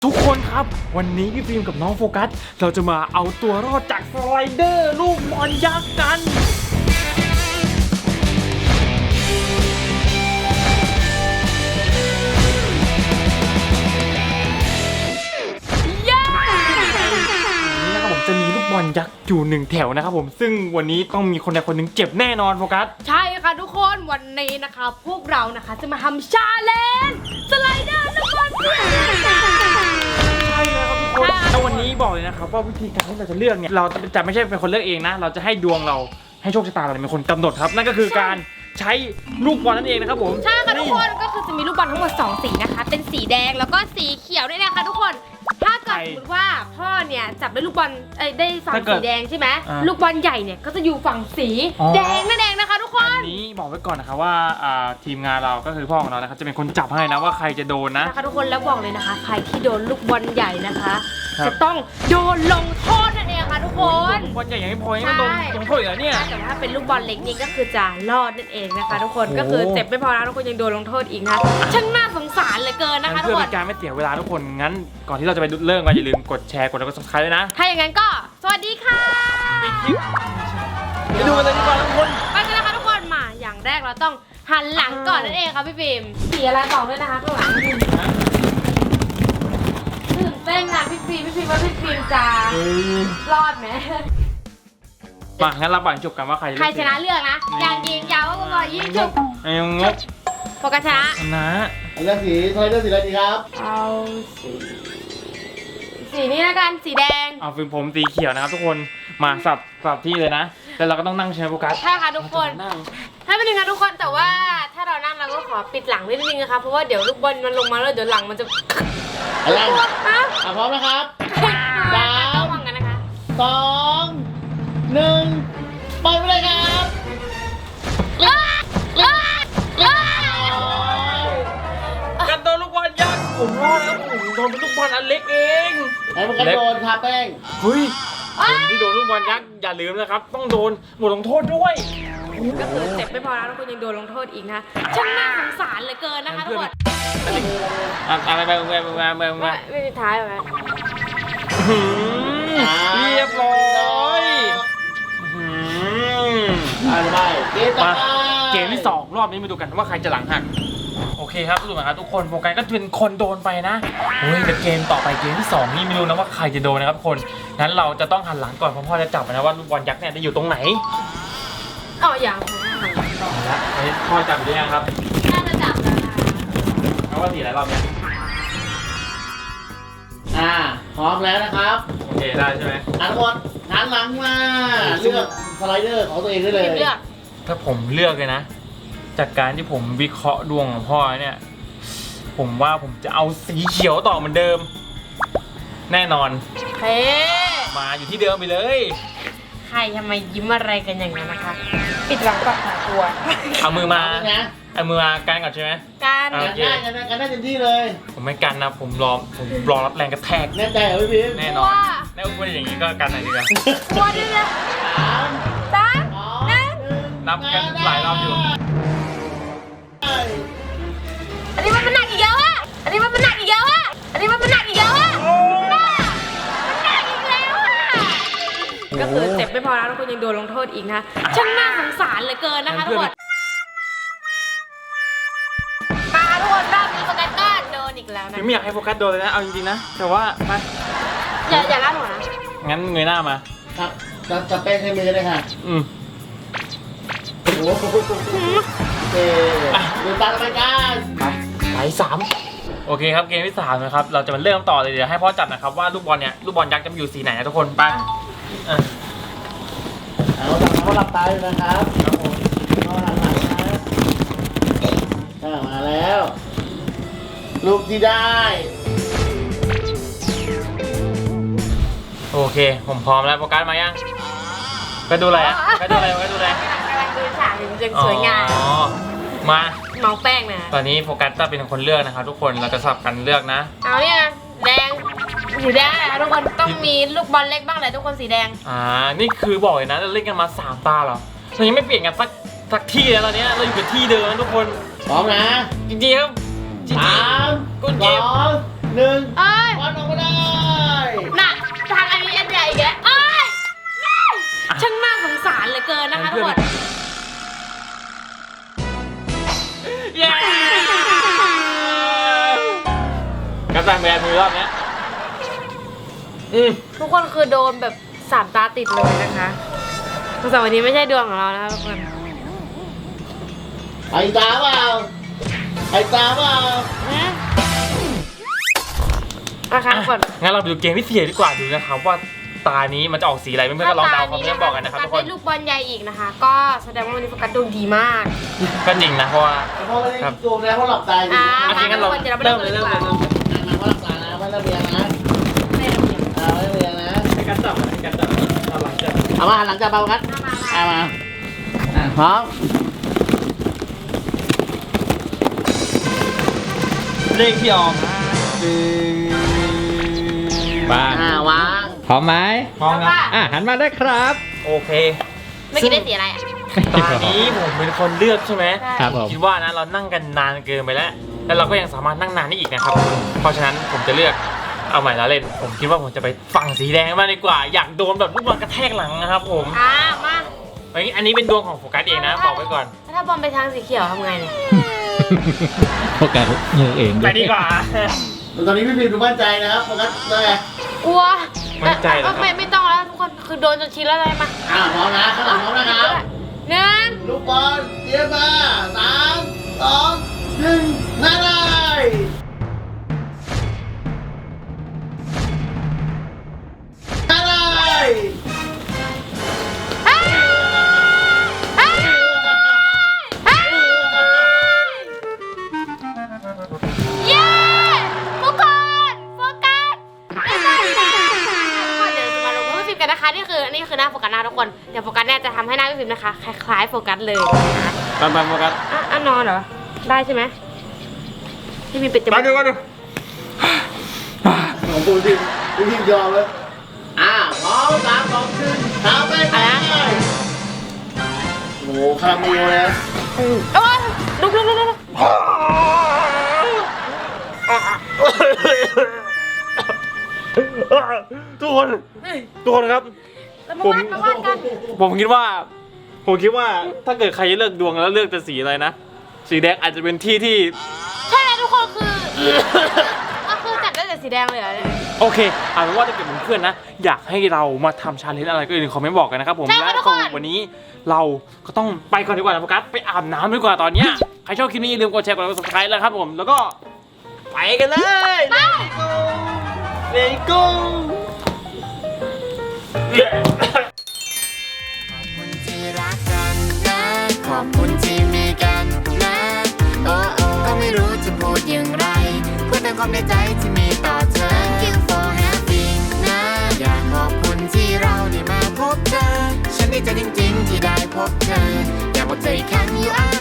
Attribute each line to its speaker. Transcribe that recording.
Speaker 1: ทุกคนครับวันนี้พี่ฟิล์มกับน้องโฟกัสเราจะมาเอาตัวรอดจากสไลเดอร์ลูกบอลยักษ์กันนี่นะครับผมจะมีลูกบอลยักษ์อยู่1แถวนะครับผมซึ่งวันนี้ต้องมีคนใดคนหนึ่งเจ็บแน่นอนโฟกัส
Speaker 2: ใช่ค่ะทุกคนวันนี้นะคะพวกเรานะคะจะมาทำชาเลนจ์สไลเดอร์ลูกบอล
Speaker 1: แล้ววันนี้บอกเลยนะครับว่าวิธีการที่เราจะเลือกเนี่ยเราจะไม่ใช่เป็นคนเลือกเองนะเราจะให้ดวงเราให้โชคชะตาเราเป็นคนกำหนดครับนั่นก็คือการใช้ลูกบอลนั่นเองนะครับผม
Speaker 2: ใช่ค่ะทุกคนก็คือจะมีลูกบอลทั้งหมด2สีนะคะเป็นสีแดงแล้วก็สีเขียวด้วยนะคะทุกคนถ้าเกิดสมมติว่าพ่อเนี่ยจับได้ลูกบอลได้ฝั่งสีแดงใช่ไหมลูกบอลใหญ่เนี่ยก็จะอยู่ฝั่งสีแดงนั่นเองนะคะทุกคน
Speaker 1: อันนี้บอกไว้ก่อนนะครับว่าทีมงานเราก็คือพ่อของเรานะครับจะเป็นคนจับให้นะว่าใครจะโดนนะ
Speaker 2: นะคะทุกคนแล้วบอกเลยนะคะใครที่โดนลูกบอลใหญ่นะคะจะต้องโดนลงโทษนั่นเองค่ะทุกคน
Speaker 1: ลูกบอลใหญ่ยังไม่พอยังโดนลงโทษอีกเหรอเนี่ย
Speaker 2: แต่ถ้าเป็นลูกบอลเล็กนี่ก็คือจะรอดนั่นเองนะคะทุกคนก็คือเจ็บไม่พอนะทุกคนยังโดนลงโทษอีกนะช่างน่าสงสารเหลือเกินนะคะทุกคน
Speaker 1: เพื่อเป็นการไม่เสียเวลาทุกคนงั้นก่อนที่เราจะไปเริ่มกันอย่าลืมกดแชร์กดไลค์กด Subscribe ด้วยนะ
Speaker 2: ถ้าอย่างนั้นก็สวัสดีค่ะ
Speaker 1: ไปดูกันเลยดีกว่าทุกคน
Speaker 2: ไปกันนะคะทุกคนมาอย่างแรกเราต้องหันหลังก่อนนั่นเองค่ะพี่ฟิล์มสีอะไรบอกด้วยนะคะข้างหลังตื่นเต้นนะพี่ฟิล์มว่าพี่ฟิล์มจะรอดไหม
Speaker 1: มางั้นเราปั่นจบกันว่าใคร
Speaker 2: ชนะเลือกนะอย่างยิงยาวก็บอกยิงจุบ
Speaker 1: งบ
Speaker 2: โฟกัสชนะ
Speaker 3: เลือกสีทอยเลือกสีอะไรดีครับ
Speaker 2: เอาสีนี้แล้วกันสีแดง
Speaker 1: เอาฟิล์มผมสีเขียวนะครับทุกคนมาสับที่เลยนะแต่เราก็ต้องนั่งใช้โฟกัส
Speaker 2: ใช่ค่ะทุกคนให้เป็นยังไงทุกคนแต่ว่าถ้าเรานั่งเราก็ขอปิดหลังนิดนึงนะคะเพราะว่าเดี๋ยวลูกบอลมันลงมาแล้วเดี๋ยวหลังมันจะ
Speaker 3: อะไรพร้อมนะครับ
Speaker 2: ระวังกันนะคะ
Speaker 3: 2 1ไปเลยครับ
Speaker 1: กันโดนลูกบอลยักษ์ผมรอดแล้วผมโดนเป็นลูกบอลอันเล็กเอง
Speaker 3: ไอ้พวกกันโดนทาแป้ง
Speaker 1: เฮ้ยคนที่โดนลูกบอลยักษ์อย่าลืมนะครับต้องโดนบทลงโทษด้วย
Speaker 2: ก็คือเจ็บไม่พอแล้วทุกคนยังโดนลงโทษอีกนะช่างน่าสงสารเหลือเกินนะคะทุกคน
Speaker 1: อะไรไป
Speaker 2: ไม่มีท้ายไหม
Speaker 1: เรียบร้อยเกมที่2รอบนี้มาดูกันว่าใครจะหลังหักโอเคครับทุกคนครับทุกคนโฟกัสก็เป็นคนโดนไปนะเฮ้ยแต่เกมต่อไปเกมที่2นี่ไม่รู้นะว่าใครจะโดนนะครับทุกคนงั้นเราจะต้องหันหลังก่อนเพราะพ่อจะจับนะว่าลูกบอลยักษ์เนี่ยจะอยู่ตรงไหน
Speaker 2: อย่าง
Speaker 1: แล้วพ่อจับอยู่ได้ยังครับ
Speaker 2: น่าจะจับ
Speaker 1: แล้วว่าสีอะไรรอบนี้
Speaker 3: พร้อมแล้วนะครับ
Speaker 1: โอเคได้ใช่ไหม
Speaker 3: ทุกคนหันหลังมาเลือกสไลเดอร์ของตัวเองได้เลย
Speaker 1: ถ้าผมเลือกเลยนะจากการที่ผมวิเคราะห์ดวงของพ่อเนี่ยผมว่าผมจะเอาสีเขียวต่อเหมือนเดิมแน่นอนมาอยู่ที่เดิมไปเลย
Speaker 2: ใครทำไมยิ้มอะไรกันอย่างนั้นนะคะปิดหลังก่อนค่ะตัว
Speaker 1: เอามือมากันก่อนใช่ไหม
Speaker 2: กัน
Speaker 3: ได้เต็มที่เลย
Speaker 1: ผมไม่กันนะผมรอรับแรงกระแทก
Speaker 3: แน่ใจเหรอพี่พิม
Speaker 1: แน่นอนแน่อุ้ยอย่างนี้ก็กันหน่อยดีกว่า
Speaker 2: ตัวนึงนะ
Speaker 1: นับกันหลายรอบอยู่
Speaker 2: อันนี้มันหนักอีกแล้วอ่ะมันหนักอีกแล้วอ่ะมันหนักอีกแล้วอ่ะก็คือเจ็บไม่พอแล้วทุกคนยังโดนลงโทษอีกนะช่างน่าสงสารเหลือเกินนะคะทุกคนทุกคนรอบนี้โฟกัสก็โดนอีกแล้วนะ
Speaker 1: ไม่อยากให้โฟกัสโดนเลยนะเอาจริงๆนะแต่ว่ามา
Speaker 2: อย่าล่าหัวนะ
Speaker 1: งั้นเงยหน้ามา
Speaker 3: ครับจะเป็นให้มือเลยค่ะโอ้โหดูตามรายการ
Speaker 1: ไป3โอเคครับเกมที่3นะครับเราจะมาเริ่มต่อเลยเดี๋ยวให้พ่อจับนะครับว่าลูกบอลยักษ์จะอยู่สีไหนนะทุกคนไป
Speaker 3: เขาหลับตาอยู่นะครับเขาหลับตานะมาแล้วลูกที่ได้
Speaker 1: โอเคผมพร้อมแล้วโฟกัสมายังไปดูอะไรไปดูอะไรกำลัง
Speaker 2: ดูฉากจึงสวยงาม
Speaker 1: มา
Speaker 2: เมาแป้งนะ
Speaker 1: ตอนนี้โฟกัสจะเป็นคนเลือกนะครับทุกคนเราจะสลับกันเลือกนะ
Speaker 2: เอาเนี่ยแดงสีแดงทุกคนต้องมีลูกบอลเล็กบ้างแหละทุกคนสีแดง
Speaker 1: นี่คือบอกเลยนะเราเล่นกันมา3 ตาเหรอเรายังไม่เปลี่ยนกันสักที่แล้วตอนนี้เราอยู่กับที่เดิมทุกคน
Speaker 3: พร้อมนะ
Speaker 1: จริงๆครับ
Speaker 3: 3 2 1 หนึ่ง
Speaker 2: เอ้ย
Speaker 3: บอลออกมาได้
Speaker 2: น่ะทางอันนี้อันใหญ่อีกแล้วเอ้ยช่างน่าสงสารเหลือเกินนะคะทุกคน
Speaker 1: เย้กัปตันแบนมือรอบเนี้ย
Speaker 2: ทุกคนคือโดนแบบ3 ตาติดเลยนะคะแต่วันนี้ไม่ใช่ดวงของเรานะคะทุกคน
Speaker 3: ไอ้ตาเปล่าไอ้ตาเปล่า
Speaker 2: นะคะทุกคน
Speaker 1: งั้นเราไปดูเกมที่4ดีกว่าดูนะครับว่าตานี้มันจะออกสีอะไรเพื่อนๆก็ลองเดาคอมเมนต์บอกกันนะครับทุกคน
Speaker 2: ได้ลูกบอลใหญ่อีกนะคะ ก็แสดงว่าวันนี้โฟกัสดวงดีมาก
Speaker 1: ก็จริงนะเพราะว่า
Speaker 3: เพราะไม่ได้โกงนะเพราะหลับตาอยู่นะ
Speaker 1: โอเคงั้นเรา
Speaker 2: เดี๋ยวเราไป
Speaker 1: เริ่ม
Speaker 2: เริ่
Speaker 1: เลย
Speaker 2: ม
Speaker 1: เริ่ม
Speaker 2: ดี
Speaker 1: เลย
Speaker 2: กว่า
Speaker 3: เพราะหลับตานะไม่ระเบียงนะ
Speaker 2: ไม่เริ่ม
Speaker 3: ไม่ระเบียงนะ
Speaker 1: ให้กันจับให้กันจับเราหลังจับ
Speaker 3: เอามาหลังจากเบากัน
Speaker 2: มา
Speaker 3: เอามาพร้อม
Speaker 1: เลขที่ออกบ้าง
Speaker 3: วาง
Speaker 4: พร้อมไหม
Speaker 1: พร้อมครับ
Speaker 4: หันมาได้ครับ
Speaker 1: โอเค
Speaker 2: ไม่อกี้ได้สีอะไรอ่ะ
Speaker 1: ตอนนี้ผมเป็นคนเลือกใช่ไหม
Speaker 4: ครับผม
Speaker 1: คิดว่านะเรานั่งกันนานเกินไปแล้ว แล้วเราก็ยังสามารถนั่งนานได้อีกนะครับ เพราะฉะนั้นผมจะเลือกเอาใหม่แล้วเล่น ผมคิดว่าผมจะไปฝั่งสีแดงมากดีกว่า อยากโดนแบบลูกบอลกระแทกหลังนะครับผม
Speaker 2: มา
Speaker 1: อันนี้เป็นดวงของโฟกัสเองนะบอกไว้ก่อน
Speaker 2: ถ้าบอลไปทางสีเขียวทำไงเนี่ย
Speaker 4: โฟกัสมือเอง
Speaker 1: ไปดีกว่า
Speaker 3: ตอนนี้พี่พิมดูมั่นใจนะครับโฟกัสได้
Speaker 2: กลัว
Speaker 1: มั่นใจเหรอครับ
Speaker 2: ไม่ต้องแล้วทุกคนคือโดนจนชินแล้วเลยมา
Speaker 3: พร้อมนะข้างหลังพร้อมนะครับ
Speaker 2: หนึ่ง
Speaker 3: ลูกบอลเตรียมมา3 2 1นั่นเลยนั่นเลย
Speaker 2: เย้ทุกคนโฟกัสทุกคนเดี๋ยวจะมาลงรูปฟิล์มกันนะคะนี่คือหน้าโฟกัสหน้าทุกคนเดี๋ยวโฟกัสเนี่ยจะทำให้หน้าพี่ฟิล์มนะคะคล้ายๆโฟกัสเลยนะคะ
Speaker 1: ตามโฟกัส
Speaker 2: อ่ะนอนเหรอได้ใช่ไหมพี่ฟิล์มปิดจมู
Speaker 1: มาก ดูมาดู
Speaker 3: ของพี่พิมยอมเลยพร้อม3 2 1ทำไปเลยโอ้โหคาราเมลเลย
Speaker 2: โอ้ยลุก
Speaker 1: ทุกคนครับ
Speaker 2: แล้วมาว่ากัน
Speaker 1: ผมคิดว่าถ้าเกิดใครจะเลือกดวงแล้วเลือกแต่สีอะไรนะ สีแดงอาจจะเป็นที่
Speaker 2: ใช่เลยทุกคนคือก็คือจัดได้แต่สีแดงเลยเหรอเนี่ย
Speaker 1: โอเคเอาเป็นว่าถ้าเกิดเพื่อนๆนะ อยากให้เรามาทำชาเลนจ์อะไรก็อย่าลืมคอมเมนต์บอกกันนะครับผม
Speaker 2: ใช่ค่ะ
Speaker 1: และ
Speaker 2: ทุกคน
Speaker 1: วันนี้เราก็ต้องไปก่อนดีกว่านะโฟกัสไปอาบน้ำดีกว่าตอนเนี้ยใครชอบคลิปนี้อย่าลืมกดแชร์กดไลค์กด subscribe แล้วครับผมแล้วก็ไปกันเลย Let's go
Speaker 5: ที่รักกันนะขอบคุณที่มีกันนะโอ้โอ้ก็ไม่รู้จะพูดอย่างไรพูดแต่ความในใจที่มีต่อเธอ Thank you for having นะอยากขอบคุณที่เราได้มาพบเธอ ฉันดีใจจริงๆที่ได้พบเธอ อยากบอกเธออีกครั้ง you are